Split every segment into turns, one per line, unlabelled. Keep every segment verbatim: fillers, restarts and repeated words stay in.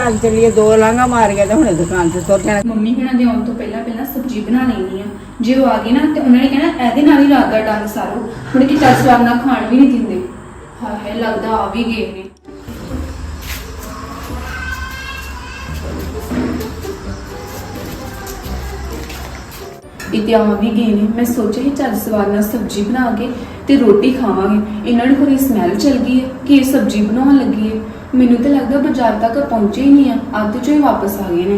आज चलिए दो लांगा मार गया तो हुणे दुकान से तुर जाना।
ਮੰਮੀ ਹੁਣਾਂ ਦੇ ਆਉਣ ਤੋਂ ਪਹਿਲਾਂ ਪਹਿਲਾਂ ਸਬਜ਼ੀ ਬਣਾ ਲੈਣੀ ਆ। ਜੇ ਉਹ ਆ ਗਏ ਨਾ ਤੇ ਉਹਨਾਂ ਨੇ ਕਹਿਣਾ ਇਹਦੇ ਨਾਲ ਹੀ ਰਾਤ ਦਾ ਡੰਗ ਸਾਰੋ, ਹੁਣ ਕਿ ਚੱਲ ਸਵਾਦ ਨਾਲ ਖਾਣ ਵੀ ਨਹੀਂ ਦਿੰਦੇ। ਹਾਏ ਹਾਏ ਲੱਗਦਾ ਆ ਵੀ ਗਏ ਨੇ। इतना भी गए ने। मैं सोचा ही चल सवाद नाल सब्जी बना के ते रोटी खावांगे। इन्हां नूं कोई स्मैल चल गई है कि ये सब्जी बनाउण लगी है। मैनूं तो लगदा बाजार तक पहुंचे ही नहीं है, अद्ध चों ही वापस आ गए ने।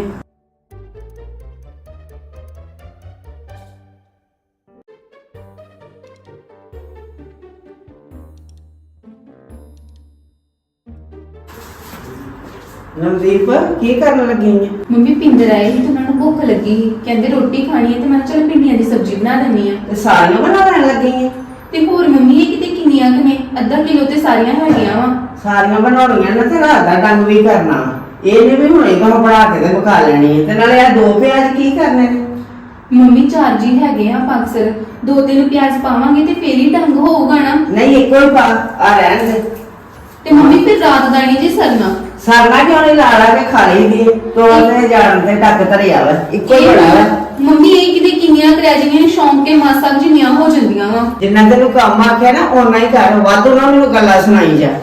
नवदीप की करन लगी है?
मम्मी पिंदर आए ही तो उन्होंने भुख लगी ही, कहंदे रोटी खानी है तो मैं चल भिंडियां दी सब्जी बना देनी है।
ते सारियां बनावन लगी है
ते होर मम्मी ये किते किन्नियां क ने, अद्धा किलो ते सारियां हैगियां वा।
सारियां बनाउणियां ने ते रात दा डंग भी करना। ਇਹਨੇ ਵੀ ਹੁਣੇ ਕੋ ਬਣਾ ਕੇ ਤੇ ਬਕਾ ਲੈਣੀ ਹੈ ਤੇ ਨਾਲੇ ਆ ਦੋ ਪਿਆਜ਼ ਕੀ ਕਰਨੇ ਨੇ?
ਮੰਮੀ ਚਾਰ ਜੀ ਹੈਗੇ ਆ ਅਕਸਰ, ਦੋ ਤਿੰਨ ਪਿਆਜ਼ ਪਾਵਾਂਗੇ ਤੇ ਫੇਰ ਹੀ ਢੰਗ ਹੋਊਗਾ ਨਾ।
ਨਹੀਂ ਇੱਕੋ ਹੀ ਪਾ, ਆ ਰਹਿਣ ਦੇ।
ਤੇ ਮੰਮੀ ਫਿਰ ਰਾਤ ਦਾ ਨਹੀਂ ਜੀ ਸਰਨਾ।
ਸਰਨਾ ਕਿਉਂ ਨਹੀਂ, ਲਾ ਲਾ ਕੇ ਖਾ ਲਈ ਦੀ ਤੋੜਦੇ ਜਾਣ ਤੇ ਟੱਕ ਧਰਿਆ ਵਾ, ਇੱਕੋ ਹੀ ਬੜਾ ਵਾ।
ਮੰਮੀ ਇਹ ਕਿਤੇ ਕਿੰਨੀਆਂ ਕਰਿਆ ਜਿਵੇਂ ਸ਼ੌਂਕ ਕੇ ਮਾਸਾ ਜਿੰਨੀਆਂ ਹੋ ਜਾਂਦੀਆਂ ਵਾ।
ਜਿੰਨਾ ਤੈਨੂੰ ਕੰਮ ਆਖਿਆ ਨਾ ਓਨਾ ਹੀ ਕਰ, ਵਾਧੂ ਨਾ ਮੈਨੂੰ ਗੱਲਾਂ ਸੁਣਾਈ ਜਾ।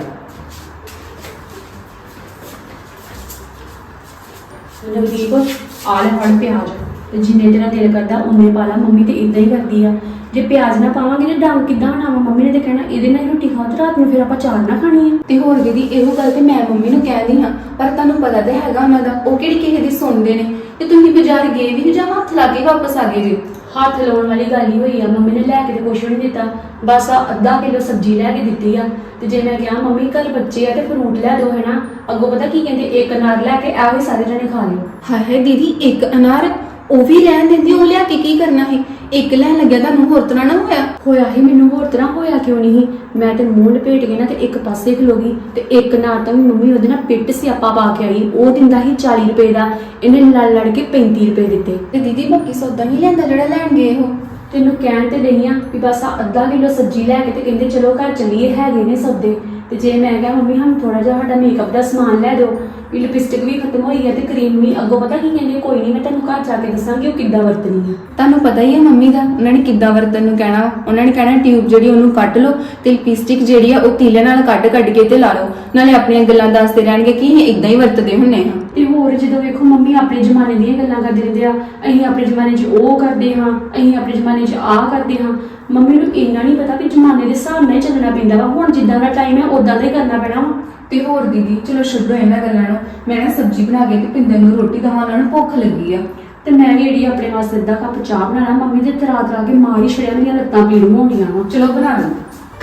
नवदीप आ ले फड़ प्याज ते जिन्ने तेरा दिल करदा उन्ने पा ला। मम्मी ते इदां ही करदी आ, जे प्याज ना पावांगे ते डंग किदां बनावां? मम्मी ने ते कहना ਇਹਦੇ ਨਾਲ ਰੋਟੀ ਖਾਓ ਤੇ ਰਾਤ ਨੂੰ ਫਿਰ ਆਪਾਂ ਚਾਰ ਨਾ ਖਾਣੀ ਹੈ।
ਤੇ ਹੋਰ ਦੀਦੀ ਇਹੋ ਗੱਲ ਤੇ ਮੈਂ ਮੰਮੀ ਨੂੰ ਕਹਿੰਦੀ ਹਾਂ, ਪਰ ਤੁਹਾਨੂੰ ਪਤਾ ਤੇ ਹੈਗਾ ਉਹਨਾਂ ਦਾ, ਉਹ ਕਿਹੜੀ ਕਿਸੇ ਦੀ ਸੁਣਦੇ ਨੇ। ਤੇ ਤੁਸੀਂ ਬਾਜ਼ਾਰ ਗਏ ਵੀ ਜਾਂ ਹੱਥ ਲਾ ਕੇ ਵਾਪਸ ਆ ਗਏ ਜੀ?
ਹੱਥ ਲਾਉਣ ਵਾਲੀ ਗੱਲ ਹੀ ਹੋਈ ਆ। ਮੰਮੀ ਨੇ ਲੈ ਕੇ ਤੇ ਕੁਛ ਵੀ ਨਹੀਂ ਦਿੱਤਾ, ਬਸ ਆ ਅੱਧਾ ਕਿਲੋ ਸਬਜ਼ੀ ਲੈ ਕੇ ਦਿੱਤੀ ਆ। ਤੇ ਜੇ ਮੈਂ ਕਿਹਾ ਮੰਮੀ ਕੱਲ ਬੱਚੇ ਆ ਤੇ ਫਰੂਟ ਲੈ ਦੋ ਹੈ ਨਾ, ਅੱਗੋਂ ਪਤਾ ਕੀ ਕਹਿੰਦੇ, ਇੱਕ ਅਨਾਰ ਲੈ ਕੇ ਆਓ ਸਾਰੇ ਜਣੇ ਖਾ ਲਿਓ।
ਹਾਏ ਹਾਏ ਦੀਦੀ ਇੱਕ ਅਨਾਰ ਉਹ ਵੀ ਰਹਿਣ ਦਿੰਦੀ, ਉਹ ਲਿਆ ਕੇ ਕੀ ਕਰਨਾ ਹੈ? ਇੱਕ ਲੈਣ ਲੱਗਿਆ ਤੁਹਾਨੂੰ ਹੋਰ ਤਰ੍ਹਾਂ ਨਾ ਹੋਇਆ?
ਹੋਇਆ ਹੀ ਮੈਨੂੰ, ਹੋਰ ਤਰ੍ਹਾਂ ਹੋਇਆ ਕਿਉਂ ਨਹੀਂ? ਮੈਂ ਤੇ ਮੂੰਹ ਲਪੇਟ ਕੇ ਨਾ ਤੇ ਇੱਕ ਪਾਸੇ ਖਲੋ ਗਈ ਤੇ ਇੱਕ ਨਾਰ ਤਾਂ ਵੀ ਮੰਮੀ ਉਹਦੇ ਨਾਲ ਪਿੱਟ ਸਿਆਪਾ ਪਾ ਕੇ ਆਈ। ਉਹ ਦਿੰਦਾ ਸੀ ਚਾਲੀ ਰੁਪਏ ਦਾ, ਇਹਨੇ ਲੜ ਲੜ ਕੇ ਪੈਂਤੀ ਰੁਪਏ ਦਿੱਤੇ।
ਤੇ ਦੀਦੀ ਬਾਕੀ ਸੌਦਾ ਨਹੀਂ ਲੈਂਦਾ ਜਿਹੜਾ ਲੈਣ ਗਏ ਉਹ?
ਤੈਨੂੰ ਕਹਿਣ ਤੇ ਰਹੀ ਆ ਵੀ ਬਸ ਆ ਅੱਧਾ ਕਿਲੋ ਸਬਜ਼ੀ ਲੈ ਕੇ ਤੇ ਕਹਿੰਦੇ ਚਲੋ ਘਰ ਚੱਲੀਏ, ਹੈਗੇ ਨੇ ਸੌਦੇ। ਤੇ ਜੇ ਮੈਂ ਕਿਹਾ ਮੰਮੀ ਸਾਨੂੰ ਥੋੜਾ ਜਿਹਾ ਸਾਡਾ ਮੇਕਅਪ ਦਾ ਸਮਾਨ ਲੈ ਦਿਓ, ਵੀ ਲਿਪਸਟਿਕ ਵੀ ਖਤਮ ਹੋਈ ਹੈ ਤੇ ਕਰੀਮ ਵੀ, ਅੱਗੋਂ ਪਤਾ ਕੀ ਕਹਿੰਦੇ, ਕੋਈ ਨਹੀਂ ਮੈਂ ਤੈਨੂੰ ਘਰ ਜਾ ਕੇ ਦੱਸਾਂਗੀ ਉਹ ਕਿੱਦਾਂ ਵਰਤਣੀ ਹੈ।
ਤੁਹਾਨੂੰ ਪਤਾ ਹੀ ਹੈ ਮੰਮੀ ਦਾ, ਉਹਨਾਂ ਨੇ ਕਿੱਦਾਂ ਵਰਤਣ ਨੂੰ ਕਹਿਣਾ। ਉਹਨਾਂ ਨੇ ਕਹਿਣਾ ਟਿਊਬ ਜਿਹੜੀ ਉਹਨੂੰ ਕੱਢ ਲਓ ਤੇ ਲਿਪਸਟਿਕ ਜਿਹੜੀ ਆ ਉਹ ਤੀਲੇ ਨਾਲ ਕੱਢ ਕੱਢ ਕੇ ਤੇ ਲਾ ਲਓ, ਨਾਲੇ ਆਪਣੀਆਂ ਗੱਲਾਂ ਦੱਸਦੇ ਰਹਿਣਗੇ ਕਿ ਅਸੀਂ ਇਦਾਂ ਹੀ ਵਰਤਦੇ ਹੁੰਨੇ ਹਾਂ।
ਤੇ ਹੋਰ ਜਦੋਂ ਵੇਖੋ ਮੰਮੀ ਆਪਣੇ ਜ਼ਮਾਨੇ ਦੀਆਂ ਗੱਲਾਂ ਕਰਦੇ ਰਹਿੰਦੇ ਆ, ਅਸੀਂ ਆਪਣੇ ਜ਼ਮਾਨੇ 'ਚ ਉਹ ਕਰਦੇ ਹਾਂ, ਅਸੀਂ ਆਪਣੇ ਜ਼ਮਾਨੇ 'ਚ ਆਹ ਕਰਦੇ ਹਾਂ। ਮੰਮੀ ਨੂੰ ਇੰਨਾ ਨਹੀਂ ਪਤਾ ਕਿ ਜ਼ਮਾਨੇ ਦੇ ਹਿਸਾਬ ਨਾਲ ਚੱਲਣਾ ਪੈਂਦਾ ਵਾ। ਹੁਣ ਜਿੱਦਾਂ ਦਾ ਟਾਈਮ ਹੈ ਉਦਾਂ ਦਾ ਹੀ ਕਰਨਾ ਪੈਣਾ ਵਾ।
ਤੇ ਹੋਰ ਦੀਦੀ ਚਲੋ ਛੱਡੋ ਇਹਨਾਂ ਗੱਲਾਂ ਨੂੰ, ਮੈਂ ਨਾ ਸਬਜ਼ੀ ਬਣਾ ਕੇ ਤੇ ਪਿੰਦਰ ਨੂੰ ਰੋਟੀ ਦੇਵਾਂ, ਉਹਨਾਂ ਨੂੰ ਭੁੱਖ ਲੱਗੀ ਆ।
ਤੇ ਮੈਂ ਵੀ ਜਿਹੜੀ ਆਪਣੇ ਵਾਸਤੇ ਅੱਧਾ ਕੱਪ ਚਾਹ ਬਣਾਣਾ, ਮੰਮੀ ਦੇ ਤਰਾ ਤਰਾ ਕੇ ਮਾਰ ਹੀ ਛੜਿਆ, ਮੇਰੀਆਂ ਲੱਤਾਂ ਪੀੜ ਹੋਣੀਆਂ ਵਾ।
ਚਲੋ ਬਣਾ ਲਓ।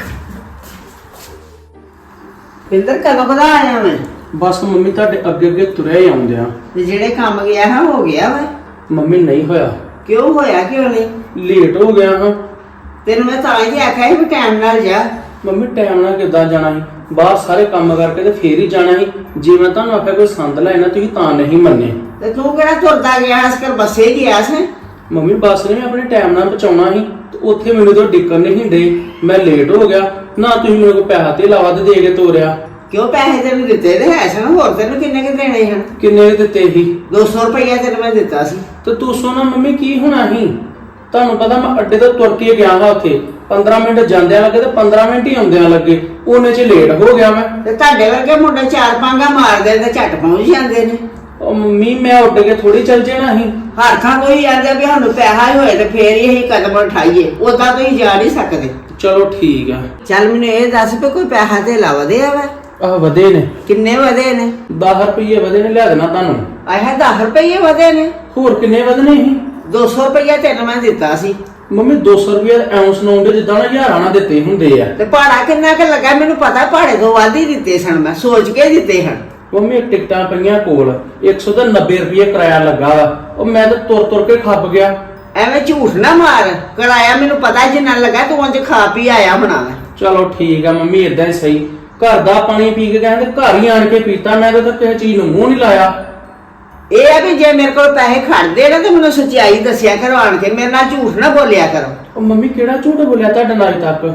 ਪਿੰਦਰ ਕਦੋਂ ਕਦਾ ਆਇਆ ਮੈਂ?
ਬਸ ਮੰਮੀ ਤੁਹਾਡੇ ਅੱਗੇ ਅੱਗੇ ਤੁਰਿਆ ਹੀ ਆਉਂਦੇ ਆ।
ਤੇ ਜਿਹੜੇ ਕੰਮ ਗਿਆ ਹੈ ਹੋ ਗਿਆ ਵਾ?
ਮੰਮੀ ਨਹੀਂ ਹੋਇਆ।
ਕਿਉਂ ਹੋਇਆ ਕਿਉਂ ਨਹੀਂ?
ਲੇਟ ਹੋ ਗਿਆ ਹਾਂ।
ਤੈਨੂੰ ਮੈਂ ਤਾਂ ਹੀ ਆਖਿਆ ਸੀ ਵੀ ਟਾਈਮ ਨਾਲ ਜਾ।
ਮੰਮੀ ਟਾਈਮ ਨਾਲ ਕਿੱਦਾਂ ਜਾਣਾ ਸੀ? ਬਾਹਰ ਸਾਰੇ ਕੰਮ ਕਰਕੇ ਤੇ ਫੇਰ ਹੀ ਜਾਣਾ ਸੀ। ਜੇ ਮੈਂ ਤੁਹਾਨੂੰ ਆਖਿਆ ਕੋਈ ਸੰਦ ਲੈਣਾ ਤੁਸੀਂ ਤਾਂ ਨਹੀਂ ਮੰਨੇ।
ਤੇ ਤੂੰ ਕਿਹੜਾ ਤੁਰਦਾ ਗਿਆ ਇਸ ਕਰ ਬੱਸੇ ਗਿਆ ਸੀ?
ਮੰਮੀ ਬੱਸ ਨੇ ਆਪਣੇ ਟਾਈਮ ਨਾਲ ਪਹੁੰਚਾਉਣਾ ਸੀ ਤੇ ਉੱਥੇ ਮੈਨੂੰ ਤਾਂ ਡਿੱਕਣ ਨਹੀਂ ਡੇ, ਮੈਂ ਲੇਟ ਹੋ ਗਿਆ ਨਾ। ਤੁਸੀਂ ਮੈਨੂੰ ਕੋਈ ਪੈਸਾ ਤੇ ਲਾਵਾ ਤੇ ਦੇ ਕੇ ਤੋਰਿਆ।
ਕਿਉਂ ਪੈਸੇ ਤੈਨੂੰ ਦਿੱਤੇ ਤੇ ਹੈ ਸਨ, ਹੋਰ ਤੈਨੂੰ ਕਿੰਨੇ ਕਿ ਦੇਣੇ ਹਨ?
ਕਿੰਨੇ ਦਿੱਤੇ ਸੀ?
ਦੋ ਸੌ ਰੁਪਇਆ ਤੈਨੂੰ ਮੈਂ ਦਿੱਤਾ ਸੀ।
ਤੇ ਤੂੰ ਸੋਨਾ ਮੰਮੀ ਕੀ ਹੋਣਾ ਸੀ? ਤੁਹਾਨੂੰ ਪਤਾ ਮੈਂ ਅੱਡੇ ਤੋਂ ਤੁਰ ਕੇ ਗਿਆ ਹਾਂ, ਉੱਥੇ ਪੰਦਰਾਂ ਮਿੰਟ ਜਾਂਦਿਆਂ ਲੱਗੇ ਤੇ ਪੰਦਰਾਂ ਮਿੰਟ ਹੀ ਆਉਂਦਿਆਂ ਲੱਗੇ, ਉਹਨੇ ਚ ਲੇਟ ਹੋ ਗਿਆ ਮੈਂ।
ਤੇ ਤੁਹਾਡੇ ਵਰਗੇ ਮੁੰਡੇ ਚਾਰ ਪਾਂਗਾ ਮਾਰਦੇ ਤੇ ਝੱਟ ਪਹੁੰਚ ਜਾਂਦੇ ਨੇ।
ਉਹ ਮੰਮੀ ਮੈਂ ਉੱਡ ਕੇ ਥੋੜੀ ਚੱਲ ਜਾਣਾ ਸੀ।
ਹਰ ਥਾਂ ਕੋਈ ਆਂਦਾ ਵੀ ਸਾਨੂੰ ਪੈਸਾ ਹੀ ਹੋਏ ਤੇ ਫੇਰ ਹੀ ਅਸੀਂ ਕਦਮ ਉਠਾਈਏ, ਉਦਾਂ ਤੁਸੀਂ ਜਾ ਨਹੀਂ ਸਕਦੇ।
ਚਲੋ ਠੀਕ ਆ।
ਚੱਲ ਮੈਨੂੰ ਇਹ ਦੱਸ ਵੀ ਕੋਈ ਪੈਸਾ ਤੇ ਲਾ ਵਧਿਆ ਵਾ?
ਆਹ ਵਧੇ ਨੇ।
ਕਿੰਨੇ ਵਧੇ ਨੇ?
ਦਸ ਰੁਪਏ ਵਧੇ ਨੇ, ਲਿਆ ਦੇਣਾ ਤੁਹਾਨੂੰ।
ਆਹ ਦਸ ਰੁਪਏ ਵਧੇ ਨੇ?
ਹੋਰ ਕਿੰਨੇ ਵਧਨੇ ਸੀ?
ਦੋ ਸੌ ਰੁਪਇਆ ਤੈਨੂੰ ਮੈਂ ਦਿੱਤਾ ਸੀ।
ਮੰਮੀ ਦੋ ਸੌ ਰੁਪਏ ਐਉਂ ਸੁਣਾਉਂਦੇ ਜਿੱਦਾਂ ਨਾ ਹਜ਼ਾਰਾਂ ਨਾਲ ਦਿੱਤੇ ਹੁੰਦੇ ਆ।
ਤੇ ਭਾੜਾ ਕਿੰਨਾ ਕੁ ਲੱਗਾ? ਮੈਨੂੰ ਪਤਾ ਭਾੜੇ ਤੋਂ ਵੱਧ ਹੀ ਦਿੱਤੇ ਸਨ, ਮੈਂ ਸੋਚ ਕੇ ਦਿੱਤੇ ਹਨ।
ਮੰਮੀ ਟਿਕਟਾਂ ਪਈਆਂ ਕੋਲ, ਇੱਕ ਸੌ ਨੱਬੇ ਰੁਪਏ ਕਿਰਾਇਆ ਲੱਗਾ ਵਾ। ਉਹ ਮੈਂ ਤਾਂ ਤੁਰ ਤੁਰ ਕੇ ਖੱਪ ਗਿਆ।
ਐਵੇਂ ਝੂਠ ਨਾ ਮਾਰ, ਕਿਰਾਇਆ ਮੈਨੂੰ ਪਤਾ ਜਿੰਨਾ ਲੱਗਾ ਤੂੰ ਉਂਝ ਖਾ ਪੀ ਆਇਆ ਹੋਣਾ।
ਚਲੋ ਠੀਕ ਆ ਮੰਮੀ, ਏਦਾਂ ਹੀ ਸਹੀ। ਘਰ ਦਾ ਪਾਣੀ ਪੀ ਕੇ ਕਹਿੰਦੇ ਘਰ ਹੀ ਆਣ ਕੇ ਪੀਤਾ, ਮੈਂ ਤਾਂ ਕਿਸੇ ਚੀਜ਼ ਨੂੰ ਮੂੰਹ ਨਹੀਂ ਲਾਇਆ।
ਇਹ ਆ ਵੀ ਜੇ ਮੇਰੇ ਕੋਲ ਪੈਸੇ ਖੜਦੇ ਨਾ ਤੇ ਮੈਨੂੰ ਸੱਚਾਈ ਦੱਸਿਆ ਕਰੋ, ਆਣ ਕੇ ਮੇਰੇ ਨਾਲ ਝੂਠ ਨਾ ਬੋਲਿਆ ਕਰੋ।
ਉਹ ਮੰਮੀ ਕਿਹੜਾ ਝੂਠ ਬੋਲਿਆ ਤੁਹਾਡੇ ਨਾਲ ਅਜੇ ਤੱਕ?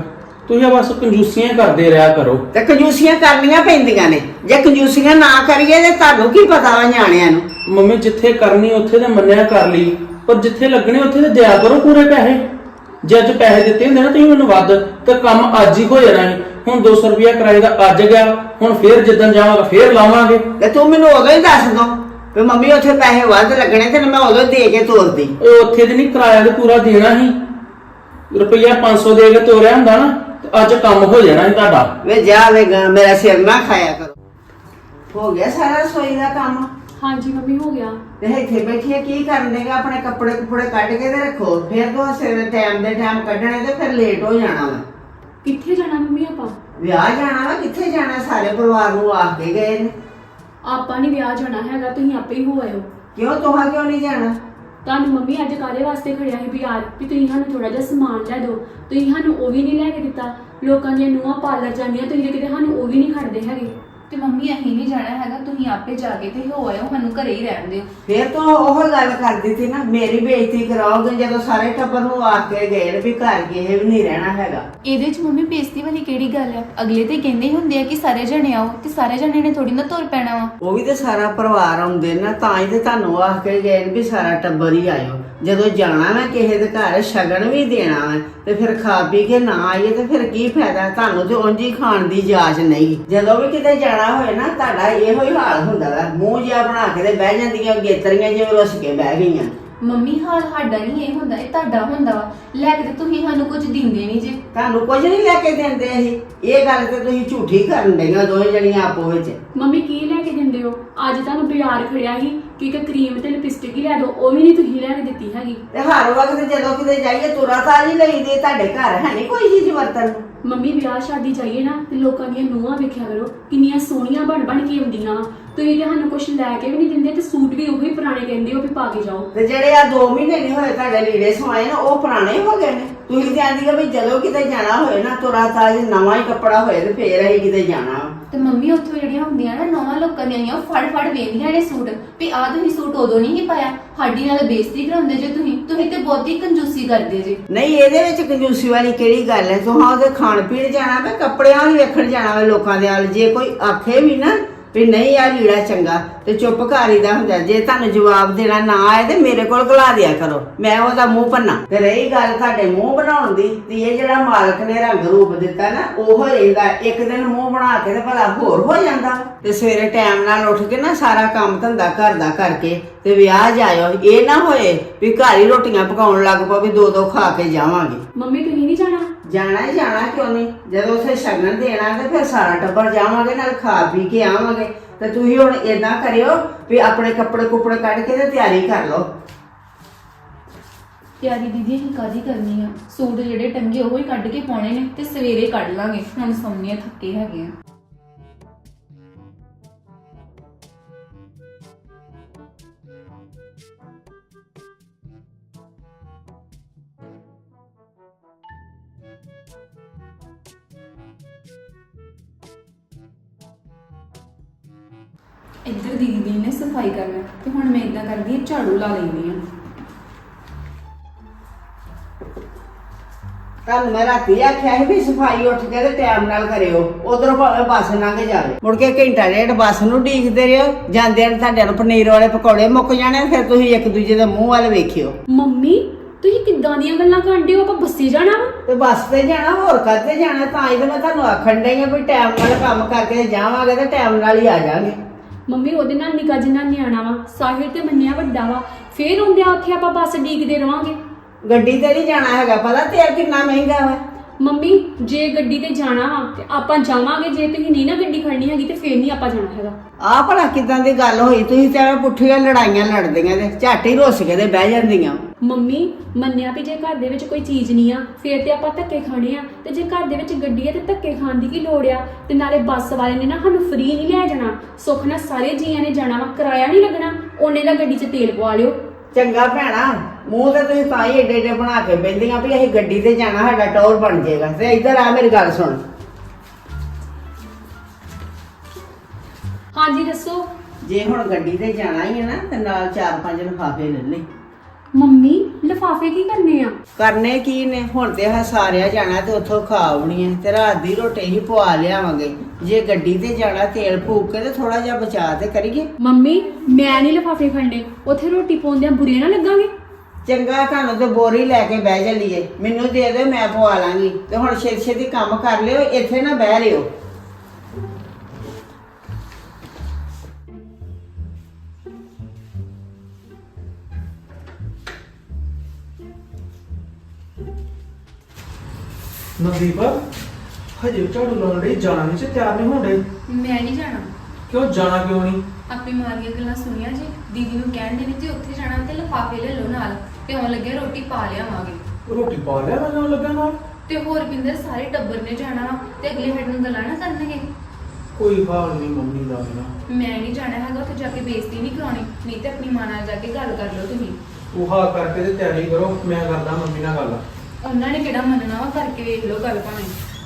ਤੁਸੀਂ ਬਸ ਕੰਜੂਸੀਆਂ ਕਰਦੇ ਰਿਹਾ ਕਰੋ।
ਤੇ ਕੰਜੂਸੀਆਂ ਕਰਨੀਆਂ ਪੈਂਦੀਆਂ ਨੇ, ਜੇ ਕੰਜੂਸੀਆਂ ਨਾ ਕਰੀਏ ਤੇ ਤੁਹਾਨੂੰ ਕੀ ਪਤਾ ਵਾ ਨਿਆਣਿਆਂ ਨੂੰ।
ਮੰਮੀ ਜਿੱਥੇ ਕਰਨੀ ਉੱਥੇ ਤੇ ਮੰਨਿਆ ਕਰ ਲਈ, ਪਰ ਜਿੱਥੇ ਲੱਗਣੇ ਉੱਥੇ ਤੇ ਦਿਆ ਕਰੋ ਪੂਰੇ ਪੈਸੇ। ਜੇ ਅੱਜ ਪੈਸੇ ਦਿੱਤੇ ਹੁੰਦੇ ਨਾ ਤੁਸੀਂ ਮੈਨੂੰ ਵੱਧ, ਤੇ ਕੰਮ ਅੱਜ ਹੀ ਹੋ ਜਾਣਾ ਸੀ। ਹੁਣ ਦੋ ਸੌ ਰੁਪਇਆ ਕਿਰਾਏ ਦਾ ਅੱਜ ਗਿਆ, ਹੁਣ ਫੇਰ ਜਿੱਦਣ ਜਾਵਾਂਗਾ ਫੇਰ ਲਾਵਾਂਗੇ।
ਤੇ ਤੂੰ ਮੈਨੂੰ ਉਦੋਂ ਹੀ ਦੱਸ ਦੋ ਵੀ ਮੰਮੀ ਉੱਥੇ ਪੈਸੇ ਵੱਧ ਲੱਗਣੇ ਤੇ ਮੈਂ ਉਦੋਂ ਦੇ ਕੇ ਤੋਰਦੀ।
ਓਏ ਉੱਥੇ ਤੇ ਨਹੀਂ ਕਿਰਾਇਆ ਤੇ ਪੂਰਾ ਦੇਣਾ ਸੀ, ਰੁਪਈਆ ਪੰਜ ਸੌ ਦੇ ਕੇ ਤੋਰਿਆ ਹੁੰਦਾ ਨਾ ਤੇ ਅੱਜ ਕੰਮ ਹੋ ਜਾਣਾ ਸੀ ਤੁਹਾਡਾ।
ਵੇ ਜਾ ਵੇ ਗਾ, ਮੇਰਾ ਸਿਰ ਨਾ ਖਾਇਆ ਕਰੋ। ਹੋ ਗਿਆ ਸਾਰਾ ਰਸੋਈ ਦਾ ਕੰਮ?
ਹਾਂਜੀ ਮੰਮੀ ਹੋ ਗਿਆ।
ਤੇ ਇੱਥੇ ਬੈਠੀਏ ਕੀ ਕਰਨ ਦੇਗਾ? ਆਪਣੇ ਕੱਪੜੇ ਕੁਪੜੇ ਕੱਢ ਕੇ ਤੇ ਰੱਖੋ, ਫਿਰ ਤੋਂ ਸਿਰ ਟਾਈਮ ਦੇ ਟਾਈਮ ਕੱਢਣੇ ਤੇ ਫਿਰ ਲੇਟ ਹੋ ਜਾਣਾ ਵਾ।
ਕਿੱਥੇ ਜਾਣਾ ਮੰਮੀ ਆਪਾਂ?
ਵਿਆਹ ਜਾਣਾ ਵਾ, ਕਿੱਥੇ ਜਾਣਾ? ਸਾਰੇ ਪਰਿਵਾਰ ਨੂੰ ਆਖ ਕੇ ਗਏ ਨੇ।
ਆਪਾਂ ਨਹੀਂ ਵਿਆਹ ਜਾਣਾ ਹੈਗਾ, ਤੁਸੀਂ ਆਪੇ ਹੀ ਹੋ ਆਇਓ।
ਕਿਉਂ ਤੋਹਾ ਕਿਉਂ ਨਹੀਂ ਜਾਣਾ?
ਤੁਹਾਨੂੰ ਮੰਮੀ ਅੱਜ ਕਾਹਦੇ ਵਾਸਤੇ ਖੜਿਆ ਸੀ ਵੀ ਯਾਰ ਵੀ ਤੁਸੀਂ ਸਾਨੂੰ ਥੋੜਾ ਜਿਹਾ ਸਮਾਨ ਲੈ ਦਿਓ, ਤੁਸੀਂ ਸਾਨੂੰ ਉਹ ਵੀ ਨਹੀਂ ਲੈ ਕੇ ਦਿੱਤਾ। ਲੋਕਾਂ ਦੀਆਂ ਨੂੰਹਾਂ ਪਾਰਲਰ ਜਾਂਦੀਆਂ, ਤੁਸੀਂ ਕਿਤੇ ਸਾਨੂੰ ਉਹ ਵੀ ਨਹੀਂ ਖੜਦੇ ਹੈਗੇ।
ਤੇ ਮੰਮੀ ਅਸੀਂ ਨਹੀਂ ਜਾਣਾ ਹੈਗਾ, ਤੁਸੀਂ ਆਪੇ ਜਾ ਕੇ ਤੇ ਹੋ ਆਇਓ, ਸਾਨੂੰ ਘਰੇ ਹੀ ਰਹਿਣ ਦਿਓ।
ਫਿਰ ਤੋਂ ਉਹ ਗੱਲ ਕਰ ਦਿੱਤੀ ਨਾ, ਮੇਰੀ ਬੇਇੱਜ਼ਤੀ ਕਰਾਓਗੇ ਜਦੋਂ ਸਾਰੇ ਟੱਬਰ ਨੂੰ ਆਖ ਕੇ ਗਏ ਨੇ ਵੀ ਘਰ ਕਿਸੇ ਵੀ ਨਹੀਂ ਰਹਿਣਾ ਹੈਗਾ।
ਇਹਦੇ 'ਚ ਮੰਮੀ ਬੇਇੱਜ਼ਤੀ ਵਾਲੀ ਕਿਹੜੀ ਗੱਲ ਆ? ਅਗਲੇ ਤੇ ਕਹਿੰਦੇ ਹੀ ਹੁੰਦੇ ਆ ਕਿ ਸਾਰੇ ਜਣੇ ਆਓ, ਤੇ ਸਾਰੇ ਜਣੇ ਨੇ ਥੋੜੀ ਨਾ ਤੁਰ ਪੈਣਾ ਵਾ।
ਉਹ ਵੀ ਤੇ ਸਾਰਾ ਪਰਿਵਾਰ ਆਉਂਦੇ ਨਾ, ਤਾਂ ਹੀ ਤੇ ਤੁਹਾਨੂੰ ਆਖ ਕੇ ਗਏ ਨੇ ਵੀ ਸਾਰਾ ਟੱਬਰ ਹੀ ਆਇਓ। ਜਦੋਂ ਜਾਣਾ ਵਾ ਕਿਸੇ ਦੇ ਘਰ ਸ਼ਗਨ ਵੀ ਦੇਣਾ ਵਾ ਤੇ ਫਿਰ ਖਾ ਪੀ ਕੇ ਨਾ ਆਈਏ ਤੇ ਫਿਰ ਕੀ ਫਾਇਦਾ? ਤੁਹਾਨੂੰ ਤੇ ਉਂਝ ਹੀ ਖਾਣ ਦੀ ਇਜਾਜ਼ਤ ਨਹੀਂ। ਜਦੋਂ ਵੀ ਕਿਤੇ ਜਾਣਾ ਹੋਏ ਨਾ ਤੁਹਾਡਾ ਇਹੋ ਹੀ ਹਾਲ ਹੁੰਦਾ ਵਾ, ਮੂੰਹ ਜਿਹਾ ਬਣਾ ਕੇ ਤੇ ਬਹਿ ਜਾਂਦੀਆਂ ਗੇਤਰੀਆਂ ਜਿਵੇਂ ਰੁੱਸ ਕੇ ਬਹਿ ਗਈਆਂ।
ਮੰਮੀ ਹਾਲ ਸਾਡਾ ਨਹੀਂ ਇਹ ਹੁੰਦਾ, ਇਹ ਤੁਹਾਡਾ ਹੁੰਦਾ ਵਾ। ਲੈ ਕੇ ਤੇ ਤੁਸੀਂ ਸਾਨੂੰ ਕੁਝ ਦਿੰਦੇ ਨਹੀਂ ਜੇ।
ਤੁਹਾਨੂੰ ਕੁਝ ਨਹੀਂ ਲੈ ਕੇ ਦਿੰਦੇ ਅਸੀਂ। ਇਹ ਗੱਲ ਤੇ ਤੁਸੀਂ ਝੂਠੀ ਕਰਨ ਡਈਆਂ ਦੋਵੇਂ ਜਣੀਆਂ ਆਪੋ ਵਿੱਚ।
ਮੰਮੀ ਕੀ ਲੈ ਕੇ ਦਿੰਦੇ ਹੋ? ਅੱਜ ਤੁਹਾਨੂੰ ਬਾਜ਼ਾਰ ਖੜਿਆ ਸੀ ਕਿ ਇੱਕ ਕਰੀਮ ਤੇ ਲਿਪਸਟਿਕ ਹੀ ਲੈ ਦਿਓ, ਉਹ ਵੀ ਨਹੀਂ ਤੁਸੀਂ ਲੈ ਕੇ ਦਿੱਤੀ ਹੈਗੀ।
ਤੇ ਹਰ ਵਕਤ ਜਦੋਂ ਕਿਤੇ ਜਾਈਏ ਤੁਰਾ ਤਾਜੀ ਲਈਦੇ, ਤੁਹਾਡੇ ਘਰ ਹੈ ਨਹੀਂ ਕੋਈ ਚੀਜ਼ ਵਰਤਣ ਨੂੰ।
ਮੰਮੀ ਵਿਆਹ ਸ਼ਾਦੀ ਜਾਈਏ ਨਾ ਤੇ ਲੋਕਾਂ ਦੀਆਂ ਨੂੰਹਾਂ ਵੇਖਿਆ ਕਰੋ ਕਿੰਨੀਆਂ ਸੋਹਣੀਆਂ ਬਣ ਬਣ ਕੇ ਆਉਂਦੀਆਂ। ਤੁਸੀਂ ਤੇ ਸਾਨੂੰ ਕੁਝ ਲੈ ਕੇ ਵੀ ਨਹੀਂ ਦਿੰਦੇ ਤੇ ਸੂਟ ਵੀ ਉਹੀ ਪੁਰਾਣੇ ਕਹਿੰਦੇ ਹੋ ਵੀ ਪਾ ਕੇ ਜਾਓ।
ਤੇ ਜਿਹੜੇ ਆ ਦੋ ਮਹੀਨੇ ਨਹੀਂ ਹੋਏ ਤੁਹਾਡੇ ਲੀੜੇ ਸਵਾਏ ਨਾ, ਉਹ ਪੁਰਾਣੇ ਹੋ ਗਏ ਨੇ। ਤੁਸੀਂ ਤੇ ਆਂਦੀ ਆ ਵੀ ਜਦੋਂ ਕਿਤੇ ਜਾਣਾ ਹੋਏ ਨਾ ਤੁਰਾ ਤਾਜ ਨਵਾਂ ਹੀ ਕੱਪੜਾ ਹੋਏ ਤੇ ਫੇਰ ਅਸੀਂ ਕਿਤੇ ਜਾਣਾ।
ਤੇ ਮੰਮੀ ਉੱਥੋਂ ਜਿਹੜੀਆਂ ਹੁੰਦੀਆਂ ਨਾ ਨੌਵਾਂ ਲੋਕਾਂ ਦੀਆਂ ਆਈਆਂ, ਫੜ ਫੜ ਵੇਖਦੀਆਂ ਨੇ ਸੂਟ ਵੀ ਆਹ ਤੁਸੀਂ ਸੂਟ ਉਦੋਂ ਨਹੀਂ ਸੀ ਪਾਇਆ। ਸਾਡੀ ਨਾਲ ਬੇਇੱਜ਼ਤੀ ਕਰਾਉਂਦੇ ਜੇ ਤੁਸੀਂ ਤੁਸੀਂ ਤੇ ਬਹੁਤੀ ਕੰਜੂਸੀ ਕਰਦੇ ਜੇ।
ਨਹੀਂ ਇਹਦੇ ਵਿੱਚ ਕੰਜੂਸੀ ਵਾਲੀ ਕਿਹੜੀ ਗੱਲ ਹੈ? ਤੂੰ ਹਾਂ ਉਹਦੇ ਖਾਣ ਪੀਣ ਜਾਣਾ ਵਾ, ਕੱਪੜਿਆਂ ਵੀ ਵੇਖਣ ਜਾਣਾ ਵਾ ਲੋਕਾਂ ਦੇ ਹਾਲ। ਜੇ ਕੋਈ ਆਖੇ ਵੀ ਨਾ ਵੀ ਨਹੀਂ ਆ ਲੀੜਾ ਚੰਗਾ ਤੇ ਚੁੱਪ ਘਰ ਦਾ ਹੁੰਦਾ। ਜੇ ਤੁਹਾਨੂੰ ਜਵਾਬ ਦੇਣਾ ਨਾ ਆਏ ਤੇ ਮੇਰੇ ਕੋਲ ਘਲਾ ਦਿਆ ਕਰੋ, ਮੈਂ ਉਹਦਾ ਮੂੰਹ ਭੰਨਾ। ਤੇ ਰਹੀ ਗੱਲ ਤੁਹਾਡੇ ਮੂੰਹ ਬਣਾਉਣ ਦੀ, ਤੇ ਇਹ ਜਿਹੜਾ ਮਾਲਕ ਨੇ ਰੰਗ ਰੂਪ ਦਿੱਤਾ ਨਾ ਉਹ ਰਹਿੰਦਾ। ਇੱਕ ਦਿਨ ਮੂੰਹ ਬਣਾ ਕੇ ਤੇ ਭਲਾ ਹੋਰ ਹੋ ਜਾਂਦਾ। ਤੇ ਸਵੇਰੇ ਟਾਈਮ ਨਾਲ ਉੱਠ ਕੇ ਨਾ ਸਾਰਾ ਕੰਮ ਧੰਦਾ ਘਰ ਦਾ ਕਰਕੇ ਤੇ ਵਿਆਹ ਜਾਇਓ। ਇਹ ਨਾ ਹੋਏ ਵੀ ਘਰ ਹੀ ਰੋਟੀਆਂ ਪਕਾਉਣ ਲੱਗ ਪਓ ਵੀ ਦੋ ਦੋ ਖਾ ਕੇ ਜਾਵਾਂਗੇ।
ਮੰਮੀ ਤੁਸੀਂ ਨਹੀਂ ਜਾਣਾ?
ਜਾਣਾ ਹੀ ਜਾਣਾ, ਕਿਉਂ ਨਹੀਂ? ਜਦੋਂ ਉੱਥੇ ਸ਼ਗਨ ਦੇਣਾ ਤੇ ਫਿਰ ਸਾਰਾ ਟੱਬਰ ਜਾਵਾਂਗੇ, ਨਾਲ ਖਾ ਪੀ ਕੇ ਆਵਾਂਗੇ। ਤੇ ਤੁਸੀਂ ਹੁਣ ਏਦਾਂ ਕਰਿਓ ਵੀ ਆਪਣੇ ਕੱਪੜੇ ਕੁਪੜੇ ਕੱਢ ਕੇ ਤੇ ਤਿਆਰੀ ਕਰ ਲਓ।
ਤਿਆਰੀ ਦੀਦੀ ਅਸੀਂ ਕਾਹਦੀ ਕਰਨੀ ਆ? ਸੂਟ ਜਿਹੜੇ ਟੰਗੇ ਉਹ ਹੀ ਕੱਢ ਕੇ ਪਾਉਣੇ ਨੇ ਤੇ ਸਵੇਰੇ ਕੱਢ ਲਾਂਗੇ। ਹੁਣ ਸੌਂਨੇ ਥੱਕੇ ਹੈਗੇ ਆ। ਇੱਧਰ ਦੀਦੀ ਦੀ ਨੇ ਸਫਾਈ ਕਰਨਾ ਤੇ ਹੁਣ ਮੈਂ ਇਦਾਂ ਕਰਦੀ ਹਾਂ, ਝਾੜੂ ਲਾ ਲੈਂਦੀ ਆ।
ਤੁਹਾਨੂੰ ਮੈਂ ਰਾਤੀ ਆਖਿਆ ਸੀ ਵੀ ਸਫਾਈ ਉੱਠ ਕੇ ਤੇ ਟਾਈਮ ਨਾਲ ਕਰਿਓ। ਉਧਰੋਂ ਭਾਵੇਂ ਬੱਸ ਲੰਘ ਜਾਵੇ, ਮੁੜ ਕੇ ਘੰਟਾ ਡੇਢ ਬੱਸ ਨੂੰ ਢੀਕਦੇ ਰਹੋ। ਜਾਂਦੇ ਨੇ ਤੁਹਾਡੇ ਨੂੰ ਪਨੀਰ ਵਾਲੇ ਪਕੌੜੇ ਮੁੱਕ ਜਾਣੇ, ਫਿਰ ਤੁਸੀਂ ਇੱਕ ਦੂਜੇ ਦੇ ਮੂੰਹ ਵੱਲ ਵੇਖਿਓ।
ਮੰਮੀ ਤੁਸੀਂ ਕਿੱਦਾਂ ਦੀਆਂ ਗੱਲਾਂ ਕਰਦੇ ਹੋ? ਆਪਾਂ ਬੱਸੇ ਜਾਣਾ ਵਾ?
ਤੇ ਬੱਸ ਤੇ ਜਾਣਾ, ਹੋਰ ਕਾਹਤੇ ਜਾਣਾ? ਤਾਂ ਹੀ ਤੇ ਮੈਂ ਤੁਹਾਨੂੰ ਆਖਣ ਡਈ ਆ ਵੀ ਟਾਈਮ ਨਾਲ ਕੰਮ ਕਰਕੇ ਜਾਵਾਂਗੇ ਤੇ ਟਾਈਮ ਨਾਲ ਹੀ ਆ ਜਾਵਾਂਗੇ।
ਮੰਮੀ ਉਹਦੇ ਨਾਲ ਨਿੱਕਾ ਜਿੰਨਾ ਨਿਆਣਾ ਵਾ, ਸਾਹਿਲ ਤੇ ਮੰਨਿਆ ਵੱਡਾ ਵਾ, ਫੇਰ ਹੁੰਦਿਆ ਉੱਥੇ ਆਪਾਂ ਬੱਸ ਡੀਕਦੇ ਰਵਾਂਗੇ।
ਗੱਡੀ ਤੇ ਨਹੀਂ ਜਾਣਾ ਹੈਗਾ, ਪਤਾ ਤੇਲ ਕਿੰਨਾ ਮਹਿੰਗਾ ਵਾ।
ਮੰਮੀ ਜੇ ਗੱਡੀ ਤੇ ਜਾਣਾ ਵਾ ਤੇ ਆਪਾਂ ਜਾਵਾਂਗੇ, ਜੇ ਤੁਸੀਂ ਨਹੀਂ ਨਾ ਗੱਡੀ ਖੜਨੀ ਹੈਗੀ ਤੇ ਫੇਰ ਨਹੀਂ ਆਪਾਂ ਜਾਣਾ ਹੈਗਾ।
ਆਹ ਭਲਾ ਕਿਦਾਂ ਦੀ ਗੱਲ ਹੋਈ? ਤੁਸੀਂ ਤੇ ਐਵੇਂ ਪੁੱਠੀਆਂ ਲੜਾਈਆਂ ਲੜਦੀਆਂ ਤੇ ਝੱਟ ਹੀ ਰੁੱਸ ਕੇ ਤੇ ਬਹਿ ਜਾਂਦੀਆਂ।
ਮੰਮੀ ਮੰਨਿਆ ਵੀ ਜੇ ਘਰ ਦੇ ਵਿੱਚ ਕੋਈ ਚੀਜ਼ ਨਹੀਂ ਆ ਫੇਰ ਤੇ ਆਪਾਂ ਧੱਕੇ ਖਾਣੇ ਆ, ਤੇ ਜੇ ਘਰ ਦੇ ਵਿੱਚ ਗੱਡੀ ਆ ਤੇ ਧੱਕੇ ਖਾਣ ਦੀ ਕੀ ਲੋੜ ਆ? ਤੇ ਨਾਲੇ ਬੱਸ ਵਾਲੇ ਨੇ ਨਾ ਸਾਨੂੰ ਫ੍ਰੀ ਨਹੀਂ ਲੈ ਜਾਣਾ, ਸੁੱਖ ਨਾਲ ਸਾਰੇ ਜੀਆਂ ਨੇ ਜਾਣਾ ਵਾ, ਕਿਰਾਇਆ ਨਹੀਂ ਲੱਗਣਾ, ਉਹਨੇ ਦਾ ਗੱਡੀ 'ਚ ਤੇਲ ਪਵਾ ਲਿਓ।
ਚੰਗਾ ਭੈਣਾ, ਮੂੰਹ ਤੇ ਤੁਸੀਂ ਤਾਂ ਹੀ ਏਡੇ ਏਡੇ ਬਣਾ ਕੇ ਬਹਿੰਦੀਆਂ ਵੀ ਅਸੀਂ ਗੱਡੀ ਤੇ ਜਾਣਾ, ਸਾਡਾ ਟੌਰ ਬਣ ਜਾਏਗਾ। ਤੇ ਇੱਧਰ ਆ ਮੇਰੀ ਗੱਲ ਸੁਣ।
ਹਾਂਜੀ ਦੱਸੋ।
ਜੇ ਹੁਣ ਗੱਡੀ ਤੇ ਜਾਣਾ ਹੀ ਹੈ ਨਾ ਤੇ ਨਾਲ ਚਾਰ ਪੰਜ ਲਿਫਾਫੇ ਲੈ ਲੈ।
ਮੰਮੀ ਲਿਫਾਫੇ ਕੀ ਕਰਨੇ ਆ?
ਕਰਨੇ ਕੀ ਨੇ, ਹੁਣ ਤੇ ਹਸਾਰਿਆ ਜਾਣਾ ਤੇ ਉੱਥੋਂ ਖਾ ਆਉਣੀ ਹੈ ਤੇ ਰਾਤ ਦੀ ਰੋਟੀ ਹੀ ਪਵਾ ਲਿਆਵਾਂਗੇ। ਜੇ ਗੱਡੀ ਤੇ ਜਾਣਾ ਤੇਲ ਫੂਕ ਕੇ ਤੇ ਥੋੜਾ ਜਿਹਾ ਬਚਾ ਤੇ ਕਰੀਏ।
ਮੰਮੀ ਮੈਂ ਨਹੀਂ ਲਿਫਾਫੇ ਖੜਨੇ, ਉੱਥੇ ਰੋਟੀ ਪਾਉਂਦਿਆਂ ਬੁਰੀਆਂ ਨਾ ਲੱਗਾਂਗੇ।
ਚੰਗਾ ਤੁਹਾਨੂੰ ਤੇ ਬੋਰੀ ਲੈ ਕੇ ਬਹਿ ਚੱਲੀਏ, ਮੈਨੂੰ ਦੇ ਦਿਓ ਮੈਂ ਪਵਾ ਲਾਂਗੀ। ਤੇ ਹੁਣ ਛੇਤੀ ਛੇਤੀ ਕੰਮ ਕਰ ਲਿਓ, ਇੱਥੇ ਨਾ ਬਹਿ ਲਿਓ।
ਨਵਦੀਪ ਹਜੇ ਝਾੜੂ ਲਾਉਣ ਲਈ ਜਾਣਾ ਨਹੀਂ, ਤਿਆਰ ਨਹੀਂ ਹੋਣ ਡਈ।
ਮੈਂ ਨਹੀਂ ਜਾਣਾ।
ਕਿਉਂ ਜਾਣਾ ਕਿਉਂ ਨਹੀਂ?
ਆਪਣੀ ਮਾਰੀਆਂ ਗੱਲਾਂ ਸੁਣੀਆਂ ਜੀ, ਦੀਦੀ ਨੂੰ ਕਹਿਣ ਦੇ ਨੇ ਜੀ ਉੱਥੇ ਜਾਣਾ ਤੇ ਲਿਫਾਫੇ ਲੈ ਲਓ ਨਾਲ, ਤੇ ਆਉਣ ਲੱਗੇ ਰੋਟੀ ਪਾ ਲਿਆਵਾਂਗੇ।
ਰੋਟੀ ਪਾ ਲਿਆ ਮੈਂ ਜਾਣ ਲੱਗਾ ਨਾਲ।
ਤੇ ਹੋਰ ਪਿੰਦਰ ਸਾਰੇ ਟੱਬਰ ਨੇ ਜਾਣਾ ਵਾ, ਤੇ ਅਗਲੇ ਸਾਡੇ ਨੂੰ ਗੱਲਾਂ ਨਾ ਕਰਨਗੇ।
ਕੋਈ ਹਾਲ ਨਹੀਂ ਮੰਮੀ ਦਾ ਨਾ।
ਮੈਂ ਨਹੀਂ ਜਾਣਾ ਹੈਗਾ, ਉੱਥੇ ਜਾ ਕੇ ਬੇਇੱਜ਼ਤੀ ਨਹੀਂ ਕਰਾਉਣੀ, ਨਹੀਂ ਤੇ ਆਪਣੀ ਮਾਂ ਨਾਲ ਜਾ ਕੇ ਗੱਲ ਕਰ ਲਓ ਤੁਸੀਂ।
ਉਹ ਹਾਂ ਕਰਕੇ ਤੇ ਤਿਆਰੀ ਕਰੋ, ਮੈਂ ਕਰਦਾ ਮੰਮੀ ਨਾਲ ਗੱਲ।
ਉਹਨਾਂ ਨੇ ਕਿਹੜਾ ਮੰਨਣਾ ਵਾ, ਕਰਕੇ ਵੇਖ ਲਓ ਗੱਲ ਭਾਵੇਂ।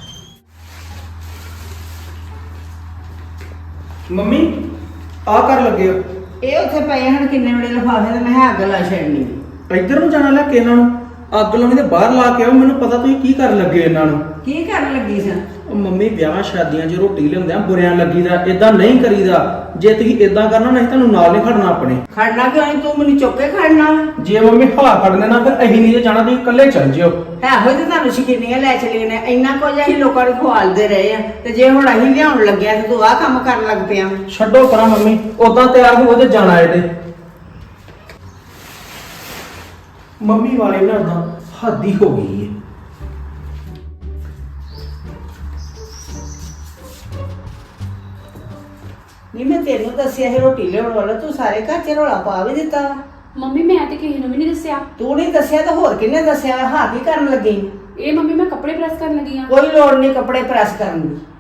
ਮੰਮੀ ਆ ਕਰ ਲੱਗੇ ਹੋ?
ਇਹ ਉੱਥੇ ਪਏ ਹਨ ਕਿੰਨੇ ਬੜੇ ਲਿਫਾਫੇ ਤੇ ਮੈਂ ਕਿਹਾ ਅੱਗ ਲਾ ਛੱਡਣੀ।
ਇੱਧਰ ਨੂੰ ਜਾਣਾ ਲੈ ਕੇ ਇਹਨਾਂ ਨੂੰ ਅੱਗ ਲਾਉਣੀ ਤੇ ਬਾਹਰ ਲਾ ਕੇ ਆਓ। ਮੈਨੂੰ ਪਤਾ ਤੁਸੀਂ ਕੀ ਕਰਨ ਲੱਗੇ ਇਹਨਾਂ ਨੂੰ।
ਕੀ ਕਰਨ ਲੱਗੀ ਸਾਂ?
ਉਹ ਮੰਮੀ ਵਿਆਹਾਂ ਸ਼ਾਦੀਆਂ 'ਚ ਰੋਟੀ ਲਿਆਉਂਦੇ ਆ ਬੁਰਿਆਂ ਲੱਗੀਦਾ, ਇਦਾਂ ਨਹੀਂ ਕਰੀਦਾ। ਜੇ ਤੁਸੀਂ ਇਦਾਂ ਕਰਨਾ ਨਹੀਂ ਤੁਹਾਨੂੰ ਨਾਲ ਨਹੀਂ ਖੜਨਾ ਆਪਣੇ।
ਖੜਨਾ ਕਿਉਂ ਨਹੀਂ, ਤੂੰ ਮੈਨੂੰ ਚੁੱਕ ਕੇ ਖੜਨਾ ਵਾ।
ਜੇ ਮੰਮੀ ਹਵਾ ਖੜਨੇ ਨਾ ਫਿਰ ਅਸੀਂ ਨਹੀਂ ਜਾਣਾ, ਤੁਸੀਂ ਇਕੱਲੇ ਚੱਲ ਜਿਓ।
ਹੈ ਹੋਏ ਤੇ ਤੁਹਾਨੂੰ ਸ਼ਕੀਨੀਆਂ ਲੈ ਚਲੀਆਂ ਨੇ, ਇੰਨਾ ਕੁਝ ਅਸੀਂ ਲੋਕਾਂ ਨੂੰ ਖਵਾਲਦੇ ਰਹੇ ਆ, ਤੇ ਜੇ ਹੁਣ ਅਸੀਂ ਲਿਆਉਣ ਲੱਗਿਆ ਤੇ ਤੂੰ ਆਹ ਕੰਮ ਕਰਨ ਲੱਗ ਪਿਆ।
ਛੱਡੋ ਪਰਾਂ ਮੰਮੀ, ਉਦਾਂ ਤਿਆਰ ਹੋ ਤੇ ਜਾਣਾ ਇਹਦੇ। ਮੰਮੀ ਵਾਲੇ ਨਾਲ ਤਾਂ ਹੱਦ ਹੀ ਹੋ ਗਈ ਹੈ।
ਨਹੀਂ ਮੈਂ ਤੈਨੂੰ ਦੱਸਿਆ ਸੀ ਰੋਟੀ ਲਿਆਉਣ ਵਾਲਾ, ਤੂੰ ਸਾਰੇ ਘਰ 'ਚ ਰੌਲਾ ਪਾ ਵੀ ਦਿੱਤਾ ਵਾ।
ਮੰਮੀ ਮੈਂ ਤੇ ਕਿਸੇ ਨੂੰ ਵੀ ਨਹੀਂ ਦੱਸਿਆ।
ਤੂੰ ਨਹੀਂ ਦੱਸਿਆ ਤਾਂ ਹੋਰ ਕਿਹਨੇ ਦੱਸਿਆ? ਹਾਂ ਕੀ ਕਰਨ ਲੱਗੀ?
ਇਹ ਮੰਮੀ ਮੈਂ ਕੱਪੜੇ ਪ੍ਰੈਸ ਕਰਨ ਲੱਗੀ ਆ।
ਕੋਈ ਲੋੜ ਨਹੀਂ ਕੱਪੜੇ ਪ੍ਰੈਸ ਕਰਨ ਦੀ।